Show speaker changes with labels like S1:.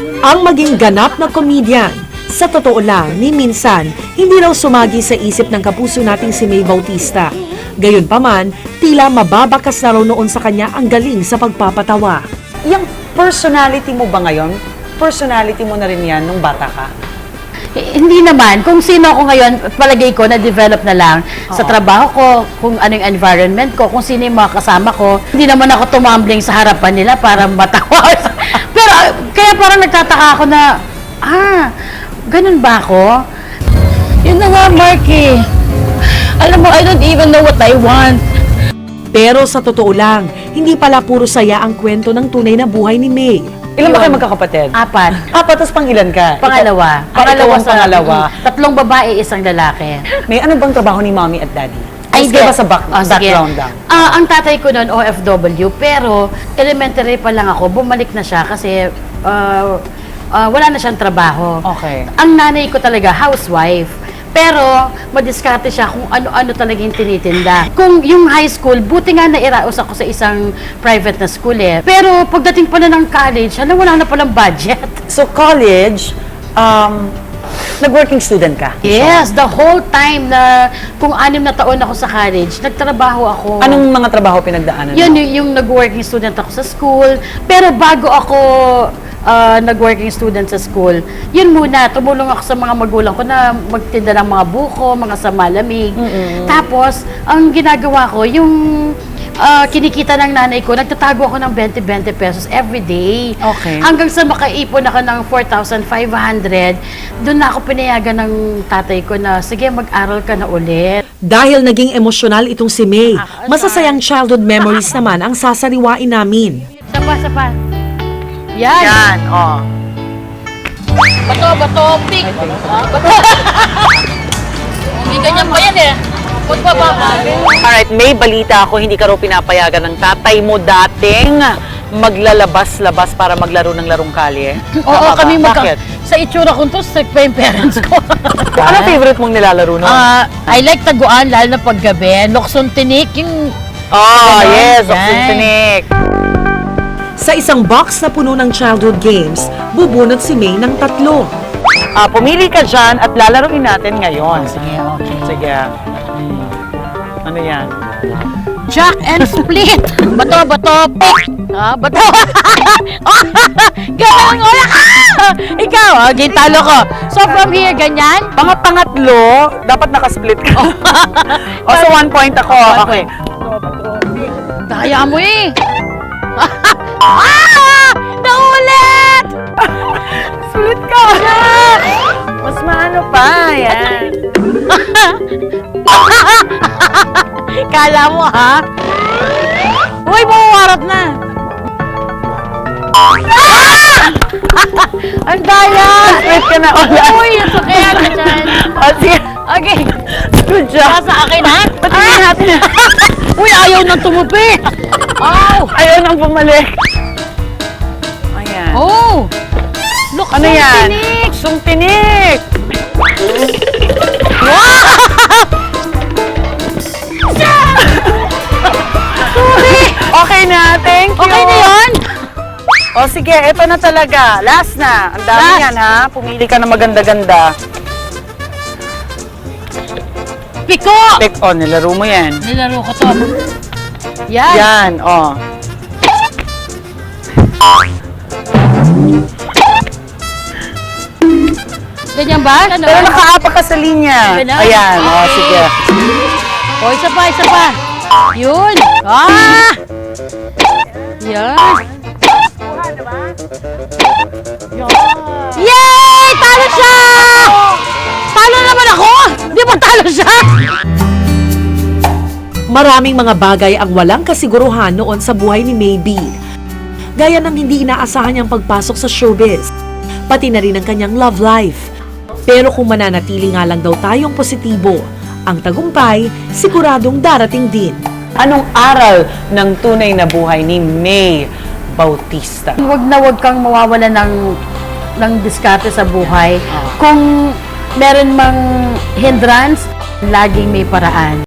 S1: Ang maging ganap na komedyan, sa totoo lang, ni minsan, hindi raw sumagi sa isip ng kapuso nating si May Bautista. Gayunpaman, tila mababakas na raw noon sa kanya ang galing sa pagpapatawa.
S2: Yung personality mo ba ngayon? Personality mo na rin yan nung bata ka?
S3: Hindi naman. Kung sino ako ngayon, palagay ko, na-develop na lang sa trabaho ko, kung ano yung environment ko, kung sino yung mga kasama ko. Hindi naman ako tumambling sa harapan nila para matawa. Pero, kaya parang nagtataka ako na, ganun ba ako? Yun na nga, Marky. Alam mo, I don't even know what I want.
S1: Pero sa totoo lang, hindi pala puro saya ang kwento ng tunay na buhay ni May.
S2: Ilan ba kayo magkakapatid?
S3: 4.
S2: Tapos pang ilan ka?
S3: Pangalawa.
S2: Ikaw ang pangalawa.
S3: 3 babae, 1 lalaki.
S2: May ano bang trabaho ni mommy at daddy?
S3: Ay,
S2: Ay, ba sa
S3: sige.
S2: background lang?
S3: Ang tatay ko noon, OFW, pero elementary pa lang ako, bumalik na siya kasi wala na siyang trabaho.
S2: Okay.
S3: Ang nanay ko talaga, housewife. Pero, madiskarte siya kung ano-ano talaga yung tinitinda. Kung yung high school, buti nga nairaos ako sa isang private na school eh. Pero, pagdating pa na ng college, wala na palang budget.
S2: So, college, nag-working student ka?
S3: Yes, the whole time na kung 6 na taon ako sa college, nagtrabaho ako.
S2: Anong mga trabaho pinagdaanan mo?
S3: Yun, yung nag-working student ako sa school. Pero bago ako nag-working student sa school, yun muna, tumulong ako sa mga magulang ko na magtinda ng mga buko, mga samalamig. Tapos, ang ginagawa ko, yung kinikita ng nanay ko, nagtatago ako ng 20-20 pesos every day.
S2: Okay.
S3: Hanggang sa makaipon ako ng 4,500, doon na ako pinayagan ng tatay ko na, sige, mag-aral ka na ulit.
S1: Dahil naging emosyonal itong si May, masasayang childhood memories naman ang sasariwain namin.
S3: Sapa. Yan. Bato, pick. Bato. Hindi ganyan pa yan eh. Ba't ba?
S2: Alright, may balita ako, hindi ka raw pinapayagan ng tatay mo dating maglalabas-labas para maglaro ng larong kalye.
S3: Oo, kami
S2: Bakit?
S3: Sa itsura ko to, strict pa yung parents ko.
S2: Ano favorite mong nilalaro nun?
S3: I like taguan, lalo na paggabi. Lokson tinik, yung...
S2: Yes,
S3: Yan.
S2: Oxytonic.
S1: Sa isang box na puno ng childhood games, bubunot si May ng 3.
S2: Pumili ka dyan at lalaroin natin ngayon.
S3: Sige, okay.
S2: Sige. Ano yan?
S3: Jack and split. Bato, pick. Bato. Ganun, wala ka! Ikaw, gintalo ko. So from here, ganyan?
S2: Mga pangatlo, dapat nakasplit ka. So 1 point ako. Okay.
S3: Daya mo eh. Naulit!
S2: Split ka! Mas maano pa, yan.
S3: Kala mo ha? Uy, mawawarap na. Ang daya!
S2: Split ka na ulit.
S3: Uy, ang sakaya ka dyan.
S2: Sige.
S3: Okay.
S2: Good job.
S3: Sa akin ha?
S2: Patingin natin.
S3: Uy, ayaw nang tumupi.
S2: Ayaw nang bumalik. Ayan.
S3: Oh! Look,
S2: Ano yan?
S3: tinik.
S2: Sung tinik. Okay na, thank you.
S3: Okay na yun?
S2: O sige, eto na talaga. Last na. Ang dami
S3: Last.
S2: yan ha. Pumili ka na maganda-ganda.
S3: Piko!
S2: Pick on, nilaro mo yan.
S3: Nilaro ko to. Yan.
S2: Yan, oh.
S3: Ganyan ba? Ano?
S2: Pero nakaapak ka sa linya.
S3: Ganun?
S2: Ayan, oh,
S3: Okay.
S2: sige.
S3: O, isa pa. Yun. Yan. Yay! Talo siya! Talo naman ako! Di ba talo siya?
S1: Maraming mga bagay ang walang kasiguruhan noon sa buhay ni May B. Gaya ng hindi inaasahan niyang pagpasok sa showbiz, pati na rin ang kanyang love life. Pero kung mananatili nga lang daw tayong positibo, ang tagumpay siguradong darating din.
S2: Anong aral ng tunay na buhay ni May Bautista?
S3: Huwag kang mawawala ng diskarte sa buhay. Kung meron mang hindrance, laging may paraan.